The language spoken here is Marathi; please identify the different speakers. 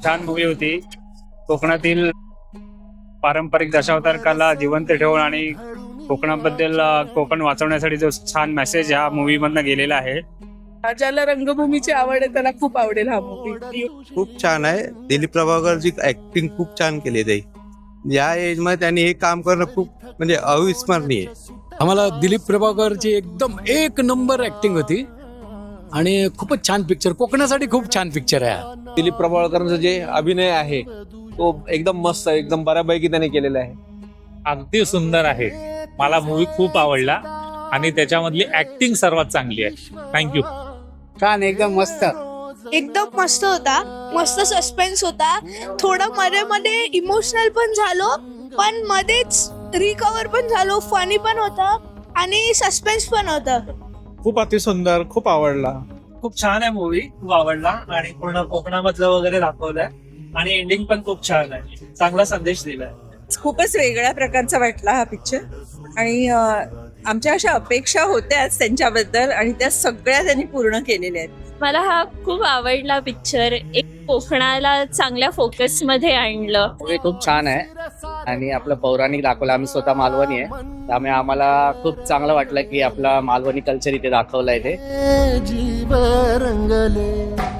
Speaker 1: छान मूवी होती. कोकणातील पारंपरिक दशावतार कला जिवंत ठेवून आणि कोकणाबद्दल कोकण वाचवण्यासाठी जो छान मेसेज ह्या मूवी मधनं गेलेला आहे.
Speaker 2: ज्याला रंगभूमीची आवड आहे त्याला खूप आवडेल हा मूवी.
Speaker 3: खूप छान आहे. दिलीप प्रभाकरची ऍक्टिंग खूप छान केली आहे. या एज मध्ये त्यांनी हे काम करणं खूप म्हणजे अविस्मरणीय.
Speaker 4: आम्हाला दिलीप प्रभाकरची एकदम एक नंबर ऍक्टिंग होती आणि खूपच छान पिक्चर, कोकणासाठी खूप छान पिक्चर आहे हा.
Speaker 5: दिलीप प्रभाकरचा जे अभिनय आहे तो एकदम मस्त आहे, एकदम बऱ्यापैकी त्याने केलेला आहे.
Speaker 6: अगदी सुंदर आहे. मला मूवी खूप आवडला आणि त्याच्यामधली ऍक्टिंग सर्वात चांगली आहे. थँक्यू.
Speaker 7: छान, एकदम मस्त.
Speaker 8: एकदम मस्त होता. मस्त सस्पेन्स होता. थोडं मध्ये मध्ये इमोशनल पण झालो, पण मध्येच रिकवर पण झालो. फनी पण होता आणि सस्पेन्स पण होता.
Speaker 5: खूप अतिसुंदर, खूप आवडला.
Speaker 9: खूप छान आहे मूवी, खूप आवडला आणि पूर्ण कोकणामधलं वगैरे दाखवलंय आणि एंडिंग पण खूप छान आहे. चांगला संदेश दिलाय.
Speaker 2: खूपच वेगळ्या प्रकारचा वाटला हा पिक्चर आणि आमच्या अशा अपेक्षा होत्याच त्यांच्याबद्दल आणि त्या सगळ्या त्यांनी पूर्ण केलेल्या आहेत.
Speaker 10: मला हा खूप आवडला पिक्चर. एक कोकणाला चांगल्या फोकस मध्ये आणलं.
Speaker 7: मूवी खूप छान आहे आणि आपलं पौराणिक दाखवलं. आम्ही स्वतः मालवणी आहे, त्यामुळे आम्हाला खूप चांगलं वाटलं की आपला मालवणी कल्चर इथे दाखवलंय. ते
Speaker 11: जीव रंगले